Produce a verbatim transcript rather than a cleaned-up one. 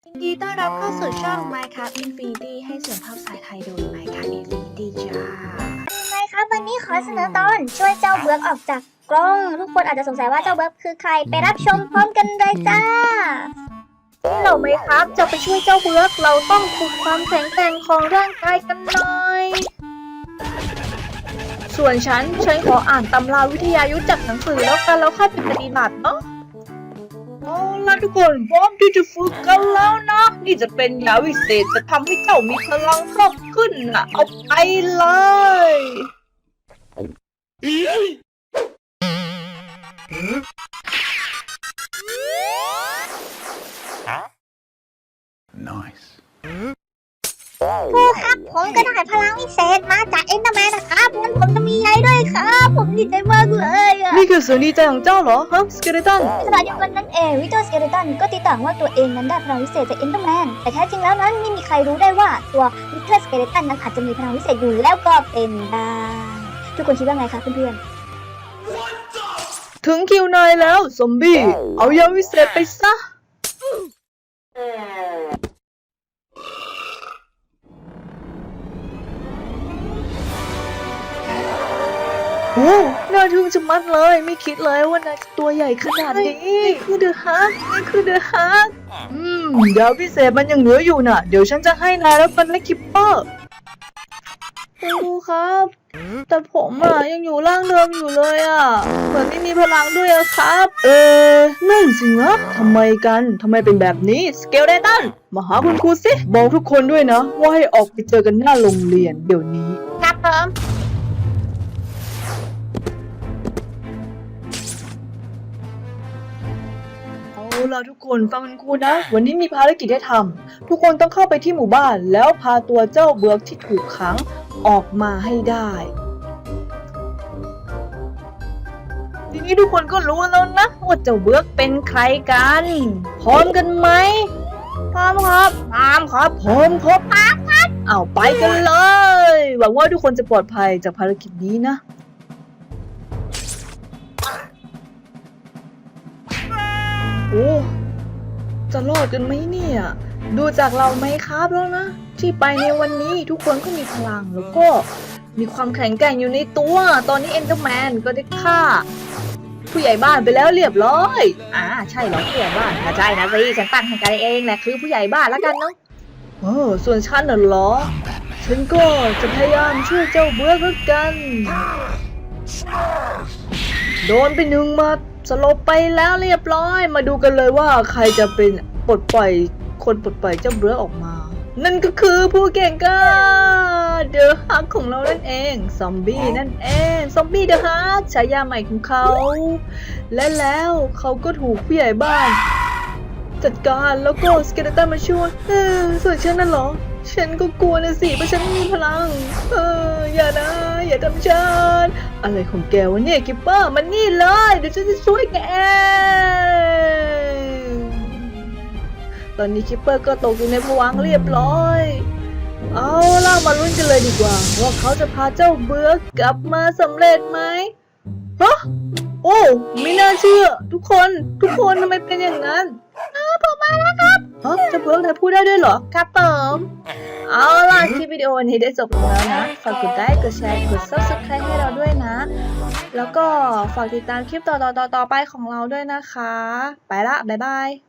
ยินดีต้อนรับเข้าสู่ช่อง Minecraft Infinity ให้เสียงภาพสายไทยโดย Minecraft Infinity จ้าไมครับวันนี้ขอเสนอตอนช่วยเจ้าเบิร์กออกจากกล้อง ทุกคนอาจจะสงสัยว่าเจ้าเบิร์กคือใครไปรับชมพร้อมกันเลยจ้าที่เราไหมครับจะไปช่วยเจ้าเบิร์กเราต้องฝึกความแข็งแกร่งของร่างกายกันหน่อยส่วนฉันฉันขออ่านตำราวิทยายุทธจากหนังสือแล้วกันแล้วค่อยไปปฏิบัติเนาะเอาล่ะทุกคนพร้อมที่จะฝึกกันแล้วนะนี่จะเป็นยาวิเศษจะทำให้เจ้ามีพลังเพิ่มขึ้นนะเอาไปเลย Nice. ครูครับผมก็ได้พลังวิเศษมาจากเอ็นเดอร์แมนนะครับงั้นผมจะมีอะไรด้วยครับผมดีใจมากเลยอะนี่คือเสียงดีใจของเจ้าเหรอฮะสเกเลตันขณะเดียวกันนั้นเองวิโตสเกเลตันก็ตีต่างว่าตัวเองนั้นได้พลังวิเศษจากเอ็นเดอร์แมนแต่แท้จริงแล้วนั้นไม่มีใครรู้ได้ว่าตัววิโตสเกเลตันนั้นอาจจะมีพลังวิเศษอยู่แล้วก็เป็นได้ทุกคนคิดว่าไงคะเพื่อนๆถึงคิวนายแล้วซอมบี้เอายาวิเศษไปซะโอ้น่าทึ่งจะมัดเลยไม่คิดเลยว่านายจะตัวใหญ่ขนาดนี้นี่คือเดอะฮักนี่คือเดอะฮักอืมยาวิเศษมันยังเหลืออยู่น่ะเดี๋ยวฉันจะให้นายแล้วกันและคิปเปอร์ครูครับแต่ผมอ่ะยังอยู่ร่างเดิมอยู่เลยอ่ะเหมือนไม่มีพลังด้วยอะครับเออนั่นสินะทำไมกันทำไมเป็นแบบนี้สเกลเดตันมาหาคุณครูสิบอกทุกคนด้วยนะว่าให้ออกไปเจอกันหน้าโรงเรียนเดี๋ยวนี้ครับผมเอาล่ะทุกคนฟังคุณครูนะวันนี้มีภารกิจให้ทำทุกคนต้องเข้าไปที่หมู่บ้านแล้วพาตัวเจ้าเบิร์กที่ถูกขังออกมาให้ได้ทีนี้ทุกคนก็รู้แล้วนะว่าเจ้าเบิร์กเป็นใครกันพร้อมกันไหมพร้อมครับพร้อมครับพร้อมครับพร้อมครับเอาไปกันเลยหวังว่าทุกคนจะปลอดภัยจากภารกิจนี้นะโอ้จะรอดกันไหมเนี่ยดูจากเราไหมครับแล้วนะที่ไปในวันนี้ทุกคนก็มีพลังแล้วก็มีความแข็งแกร่งอยู่ในตัวตอนนี้เอ็นเดอร์แมนก็ได้ฆ่าผู้ใหญ่บ้านไปแล้วเรียบร้อยอ่าใช่เหรอผู้ใหญ่บ้านถ้าใช่นะสิฉันตั้งให้กันเองแหละคือผู้ใหญ่บ้านแล้วกันเนาะเออส่วนฉันน่ะเหรอฉันก็จะพยายามช่วยเจ้าเบิร์กแล้วกันโดนไปหนึ่งมาสลบไปแล้วเรียบร้อยมาดูกันเลยว่าใครจะเป็นปลดปล่อยคนปลดปล่อยเจ้าเบิร์กออกมานั่นก็คือผู้เก่งกล้าเดอะฮักของเรานั่นเองซอมบี้นั่นเองซอมบี้เดอะฮักฉายาใหม่ของเขาและแล้วเขาก็ถูกผู้ใหญ่บ้านจัดการแล้วก็สเกเลตันมาช่วยเออส่วนฉันนั่นเหรอฉันก็กลัวนะสิเพราะฉันไม่มีพลังเอออย่านะอย่าทำฉันอะไรของแกวะเนี่ยกิปเปอร์มันนี่เลยเดี๋ยวฉันจะช่วยแกตอนนี้คิปเปอร์ก็ตกอยู่ในภวังค์เรียบร้อยเอาล่ะมาลุ้นกันเลยดีกว่าว่าเขาจะพาเจ้าเบิร์กกลับมาสำเร็จไหมฮะโอ้ไม่น่าเชื่อทุกคนทุกคนทำไมเป็นอย่างนั้นอ้าวผมมาแล้วครับฮะเจ้าเบิร์กนายพูดได้ด้วยเหรอครับผมเอาล่ะคลิปวิดีโอนี้ได้จบลงแล้วนะฝากกดไลค์กดแชร์กด ซับสไครบ์ ให้เราด้วยนะแล้วก็ฝากติดตามคลิปต่อๆๆไปของเราด้วยนะคะไปละบ๊ายบาย